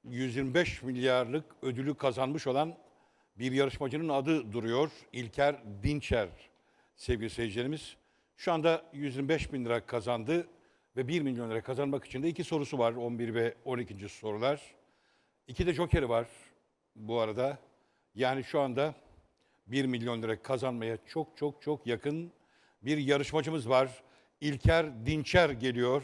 125 milyarlık ödülü kazanmış olan bir yarışmacının adı duruyor. İlker Dinçer sevgili seyircilerimiz. Şu anda 125 bin lira kazandı ve 1 milyon lira kazanmak için de 2 sorusu var. 11 ve 12. sorular. 2 de jokeri var bu arada. Yani şu anda 1 milyon lira kazanmaya çok yakın bir yarışmacımız var. İlker Dinçer geliyor.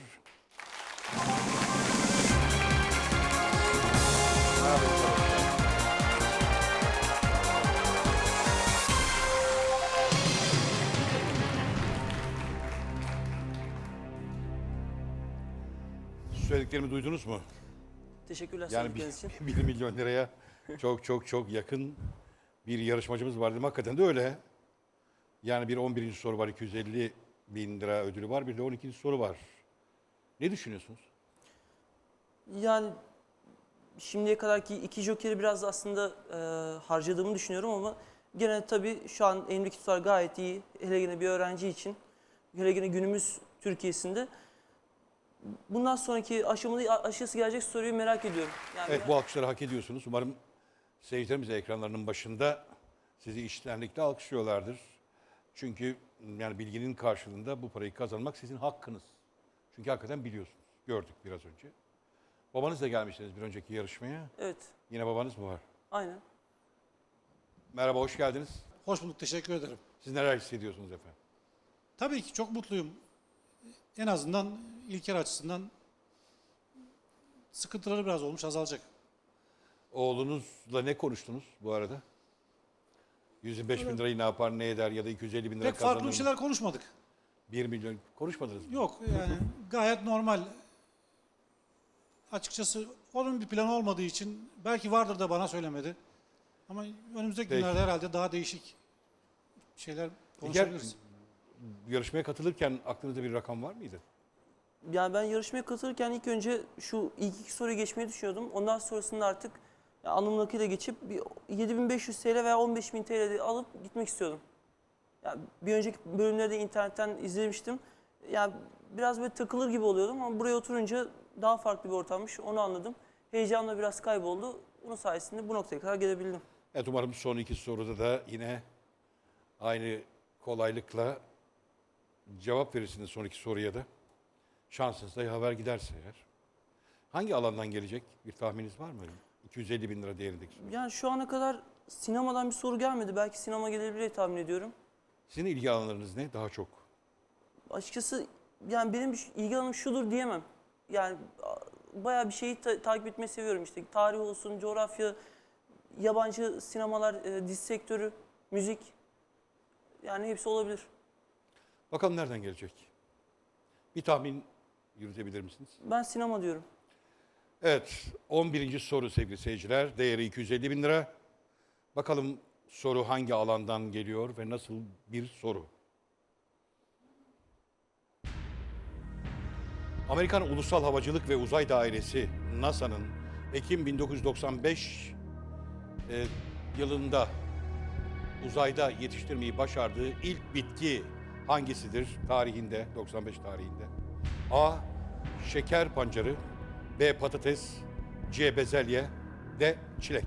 Söylediklerimi duydunuz mu? Teşekkürler Yani söyledikleriniz için. 1 milyon liraya çok yakın bir yarışmacımız var dedim. Hakikaten de öyle. Yani bir 11. soru var, 250 bin lira ödülü var. Bir de 12. soru var. Ne düşünüyorsunuz? Yani şimdiye kadarki 2 jokeri biraz aslında harcadığımı düşünüyorum ama gene tabii şu an elimdeki tutar gayet iyi. Hele gene bir öğrenci için, hele gene günümüz Türkiye'sinde. Bundan sonraki aşısı gelecek soruyu merak ediyorum. Yani Evet, bu alkışları hak ediyorsunuz. Umarım seyircilerimiz de ekranlarının başında sizi içtenlikle alkışlıyorlardır. Çünkü yani bilginin karşılığında bu parayı kazanmak sizin hakkınız. Çünkü hakikaten biliyorsunuz. Gördük biraz önce. Babanız da gelmiştiniz bir önceki yarışmaya. Evet, Yine babanız mı var? aynen. Merhaba, hoş geldiniz. Hoş bulduk, teşekkür ederim. Siz neler hissediyorsunuz efendim? Tabii ki çok mutluyum. En azından İlker açısından sıkıntıları biraz olmuş, azalacak. Oğlunuzla ne konuştunuz bu arada? 125 bin lirayı ne yapar, ne eder ya da 250 bin lira Pek kazanır farklı bir mı? şeyler konuşmadık. 1 milyon konuşmadınız mı? Yok yani gayet normal. Açıkçası onun bir planı olmadığı için belki vardır da bana söylemedi. Ama önümüzdeki Peki. günlerde herhalde daha değişik şeyler konuşabiliriz. Yarışmaya katılırken aklınızda bir rakam var mıydı? Yani ben yarışmaya katılırken ilk önce şu ilk 2 soruyu geçmeyi düşünüyordum. Ondan sonrasında artık alnımın akıyla geçip bir 7.500 TL veya 15.000 TL alıp gitmek istiyordum. Yani bir önceki bölümleri de internetten izlemiştim. Yani biraz böyle takılır gibi oluyordum ama buraya oturunca daha farklı bir ortammış. Onu anladım. Heyecanla biraz kayboldu. Bunun sayesinde bu noktaya kadar gelebildim. Evet, umarım son 2 soruda da yine aynı kolaylıkla cevap verirsiniz son 2 soruya da. Şansınız da yaver giderse eğer. Hangi alandan gelecek? Bir tahmininiz var mı? 250 bin lira değerindeki soru. Yani şu ana kadar sinemadan bir soru gelmedi. Belki sinema gelebilir diye tahmin ediyorum. Sizin ilgi alanlarınız ne? Daha çok. Açıkçası yani benim ilgi alanım şudur diyemem. Yani bayağı bir şeyi takip etmeyi seviyorum. İşte tarih olsun, coğrafya, yabancı sinemalar, dizi sektörü, müzik. Yani hepsi olabilir. Bakalım nereden gelecek? Bir tahmin yürütebilir misiniz? Ben sinema diyorum. Evet, 11. soru sevgili seyirciler. Değeri 250 bin lira. Bakalım soru hangi alandan geliyor ve nasıl bir soru? Amerikan Ulusal Havacılık ve Uzay Dairesi NASA'nın Ekim 1995 yılında uzayda yetiştirmeyi başardığı ilk bitki hangisidir tarihinde, 95 tarihinde? A. Şeker pancarı, B. Patates, C. Bezelye, D. Çilek.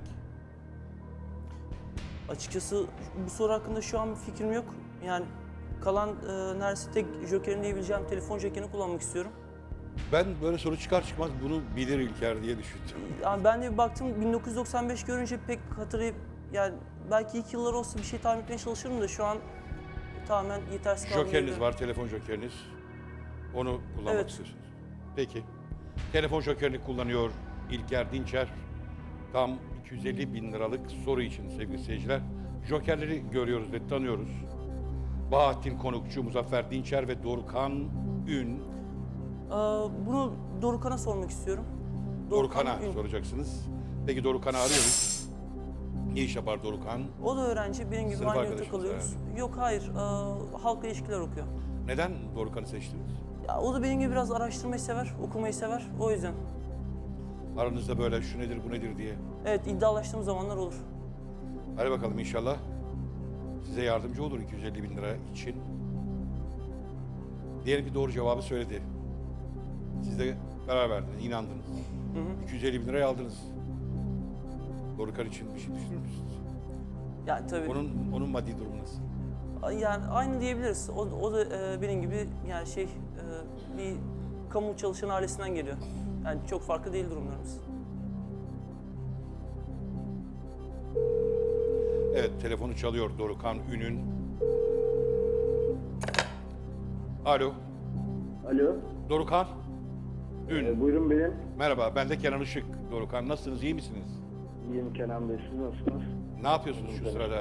Açıkçası bu soru hakkında şu an bir fikrim yok. Yani kalan neredeyse tek jokerin diyebileceğim telefon jokerini kullanmak istiyorum. Ben böyle soru çıkar çıkmaz bunu bilir İlker diye düşündüm. Yani ben de bir baktım 1995 görünce pek hatırlayıp yani belki ilk yıllar olsa bir şey tahmin etmeye çalışırım da şu an tamamen yetersiz kaldım. Jokeriniz var, telefon jokeriniz. Onu kullanmak Evet. istiyorsunuz. Peki. Telefon jokerini kullanıyor İlker Dinçer. Tam 250 bin liralık soru için sevgili seyirciler. Jokerleri görüyoruz ve tanıyoruz. Bahattin Konukçu, Muzaffer Dinçer ve Dorukhan Ün. Bunu Dorukhan'a sormak istiyorum. Dorukhan'a Ün. soracaksınız. Peki Dorukhan'ı arıyoruz. Ne iş yapar Dorukhan? O da öğrenci, benim gibi Sınıf aynı yurtta arkadaşınız kalıyoruz. Yok hayır, halkla ilişkiler okuyor. Neden Dorukhan'ı seçtiniz? Ya, o da benim gibi biraz araştırmayı sever, okumayı sever. O yüzden. Aranızda böyle şu nedir bu nedir diye. Evet, iddialaştığım zamanlar olur. Hadi bakalım inşallah size yardımcı olur 250 bin lira için. Diyelim ki doğru cevabı söyledi. Siz de karar verdiniz, inandınız. 250 bin lirayı aldınız. Dorukhan için bir şey düşünür müsünüz? Yani tabii Onun maddi durumu nasıl? yani aynı diyebiliriz. O da benim gibi yani bir kamu çalışan ailesinden geliyor. Yani çok farklı değil durumlarımız. Evet, telefonu çalıyor Dorukhan Ün'ün. Alo, Alo, Dorukhan Ün. buyurun benim. Merhaba, ben de Kenan Işık. Dorukhan, nasılsınız, iyi misiniz? İyiyim Kenan Bey, siz nasılsınız? Ne yapıyorsunuz şu sırada?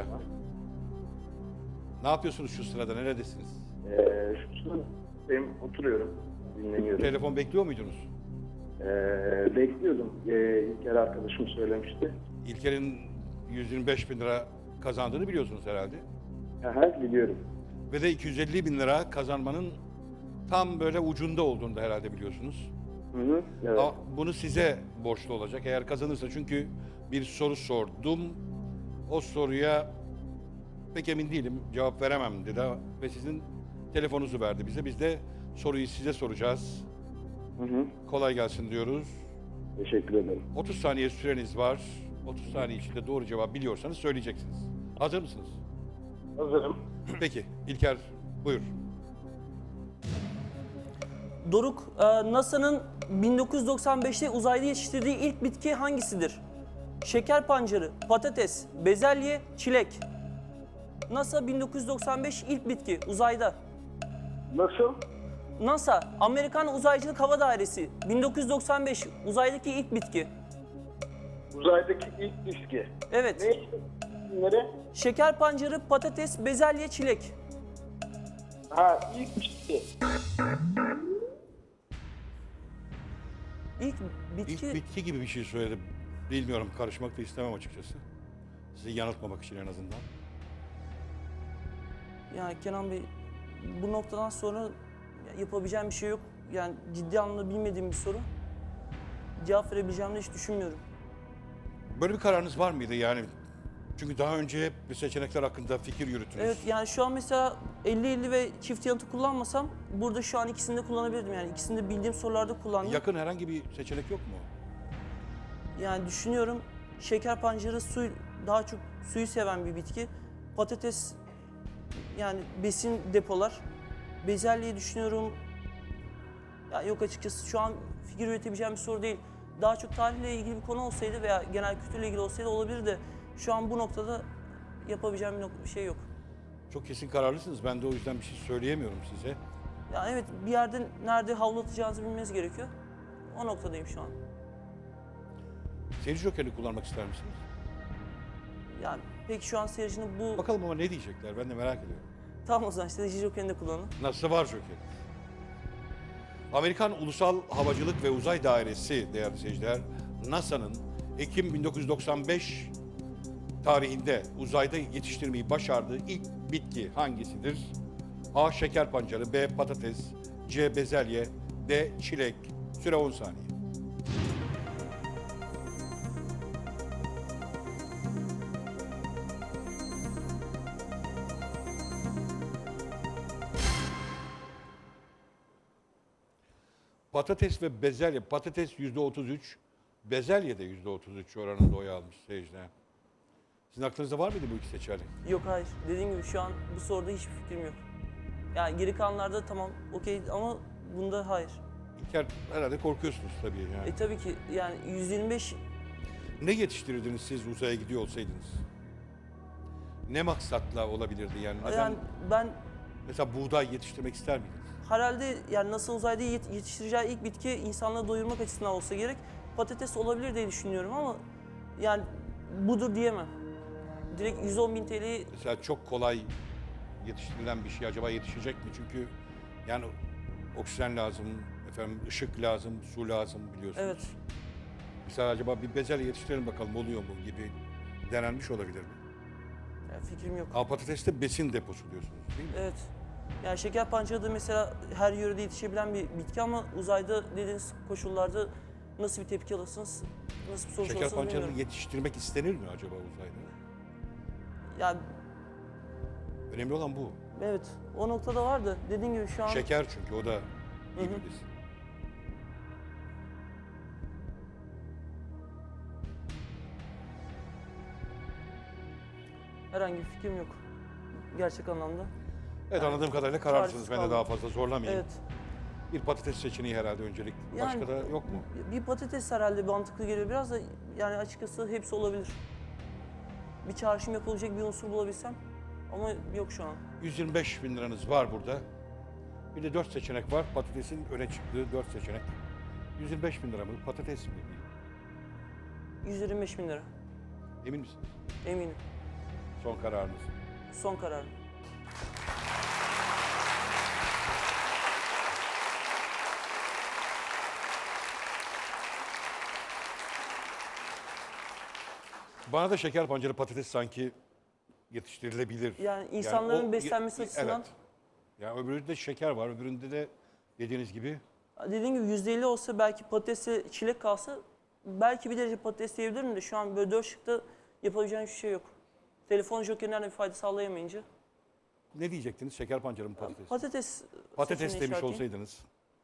Ne yapıyorsunuz şu sırada, neredesiniz? Şu sırada benim oturuyorum, dinleniyorum. Telefon bekliyor muydunuz? Bekliyordum. İlker arkadaşım söylemişti. İlker'in 125 bin lira kazandığını biliyorsunuz herhalde. Aha, biliyorum. Ve de 250 bin lira kazanmanın tam böyle ucunda olduğunu da herhalde biliyorsunuz. Hı hı, evet. Ama bunu size borçlu olacak eğer kazanırsa, çünkü bir soru sordum. O soruya pek emin değilim, cevap veremem dedi ve sizin telefonunuzu verdi bize. Biz de soruyu size soracağız. Hı hı, Kolay gelsin diyoruz. teşekkür ederim. 30 saniye süreniz var. 30 saniye içinde doğru cevap biliyorsanız söyleyeceksiniz. Hazır mısınız? Hazırım. Peki, İlker buyur. Doruk, NASA'nın 1995'te uzayda yetiştirdiği ilk bitki hangisidir? Şeker pancarı, patates, bezelye, çilek. NASA 1995 ilk bitki uzayda. Nasıl? NASA, Amerikan Uzaycılık Hava Dairesi 1995 uzaydaki ilk bitki. Uzaydaki ilk diski. Evet. Ne? Nere? Şeker pancarı, patates, bezelye, çilek. Ha, ilk diski. İlk bitki... İlk bitki gibi bir şey söyledim. Bilmiyorum, karışmak da istemem açıkçası. Sizi yanıltmamak için en azından. Yani Kenan Bey, bu noktadan sonra yapabileceğim bir şey yok. Yani ciddi anlamda bilmediğim bir soru. Cevap verebileceğimi de hiç düşünmüyorum. Böyle bir kararınız var mıydı yani? Çünkü daha önce hep bir seçenekler hakkında fikir yürüttünüz. Evet, yani şu an mesela 50-50 ve çift yanıtı kullanmasam burada şu an ikisini de kullanabilirdim. Yani ikisini de bildiğim sorularda kullandım. Yakın herhangi bir seçenek yok mu? Yani düşünüyorum, şeker pancarı daha çok suyu seven bir bitki. Patates yani besin depolar. Bezelyeyi düşünüyorum. Ya yok, açıkçası şu an fikir üretebileceğim bir soru değil. Daha çok tarihle ilgili bir konu olsaydı veya genel kültürle ilgili olsaydı olabilir de şu an bu noktada yapabileceğim bir şey yok. Çok kesin kararlısınız. Ben de o yüzden bir şey söyleyemiyorum size. Yani evet, bir yerde nerede havlatacağınızı bilmeniz gerekiyor. O noktadayım şu an. Seyirci jokerini kullanmak ister misiniz? Yani peki şu an seyircinin bu... Bakalım ama ne diyecekler, ben de merak ediyorum. Tamam, o zaman işte Joker'ini de kullanın. Nasıl var joker? Amerikan Ulusal Havacılık ve Uzay Dairesi değerli seyirciler, NASA'nın Ekim 1995 tarihinde uzayda yetiştirmeyi başardığı ilk bitki hangisidir? A. Şeker pancarı, B. Patates, C. Bezelye, D. Çilek. Süre 10 saniye. Patates ve bezelye. Patates %33, bezelye de %33 oranında oy almış seyirciler. Sizin aklınızda var mıydı bu iki seçenek? Yok, hayır. Dediğim gibi şu an bu soruda hiçbir fikrim yok. Yani geri kalanlarda tamam, okey, ama bunda hayır. İlker, herhalde korkuyorsunuz tabii yani. Tabii ki yani 125 Ne yetiştirirdiniz siz uzaya gidiyor olsaydınız? Ne maksatla olabilirdi yani? Neden? yani ben Mesela buğday yetiştirmek ister miydiniz? herhalde yani nasıl uzayda yetiştireceği ilk bitki insanları doyurmak açısından olsa gerek patates olabilir diye düşünüyorum ama yani budur diyemem. Direkt 110.000 TL'yi Mesela çok kolay yetiştirilen bir şey acaba yetişecek mi? Çünkü yani oksijen lazım, efendim ışık lazım, su lazım biliyorsunuz. evet. Mesela acaba bir bezelye yetiştirelim bakalım oluyor mu gibi denenmiş olabilir mi? Yani fikrim yok. Ama patateste besin deposu diyorsunuz değil mi? Evet. Yani şeker pancarı da mesela her yörede yetişebilen bir bitki ama uzayda dediğiniz koşullarda nasıl bir tepki alırsınız, nasıl bir sonuç Şeker alırsınız pancarını bilmiyorum. yetiştirmek istenir mi acaba uzayda? Yani Önemli olan bu. evet, o noktada var da dediğim gibi şu an Şeker çünkü o da iyi bir besin. Herhangi bir fikrim yok. Gerçek anlamda. Evet, anladığım kadarıyla kararlısınız. çaresiz Ben de kaldım. daha fazla zorlamayayım. Evet. Bir patates seçeneği herhalde öncelik. Yani- Başka da yok mu? Bir patates herhalde mantıklı geliyor. Biraz da yani açıkçası hepsi olabilir. Bir çağrışım yapılacak bir unsur bulabilsem ama yok şu an. 125 bin liranız var burada. Bir de 4 seçenek var. Patatesin öne çıktığı 4 seçenek. 125 bin lira mı? Patates mi? 125 bin lira. Emin misiniz? Eminim. Son kararınız. Son kararım. Bana da şeker pancarı patates sanki yetiştirilebilir. Yani insanların o- beslenmesi açısından- Evet. Yani öbüründe şeker var, öbüründe de dediğiniz gibi Dediğim gibi %50 olsa belki patatesle çilek kalsa belki bir derece patates diyebilirim de şu an böyle 4 şıkta yapabileceğim hiçbir şey yok. Telefon jokerinden de bir fayda sağlayamayınca. ne diyecektiniz? Şeker pancarı mı patates? Patates Patates seçeneği demiş işaretleyeyim. olsaydınız.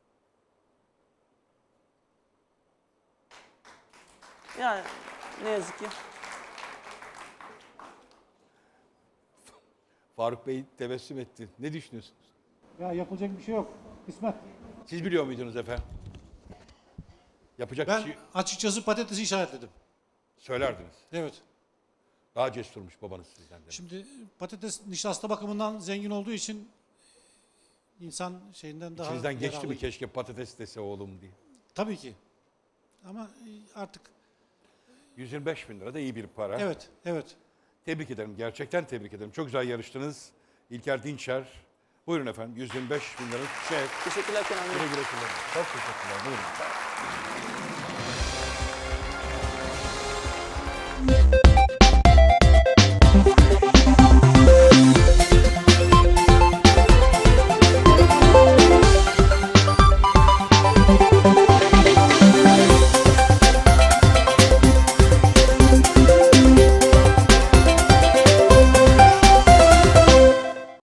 Yani ne yazık ki. Faruk Bey tebessüm etti. Ne düşünüyorsunuz? Ya yapılacak bir şey yok. Kısmet. Siz biliyor muydunuz efendim? Yapacak Ben bir şey açıkçası patatesi işaretledim. söylerdiniz. Evet. Daha cesurmuş babanız sizden de. Şimdi patates nişasta bakımından zengin olduğu için insan şeyinden daha İçinizden geçti mi yararlı. keşke patates dese oğlum diye. Tabii ki. Ama artık 125 bin lira da iyi bir para. evet, evet. Tebrik ederim. Gerçekten tebrik ederim. Çok güzel yarıştınız. İlker Dinçer. Buyurun efendim. 125 bin lira. Teşekkürler Kenan Bey. Güle güle kullanın. Çok teşekkürler. Buyurun.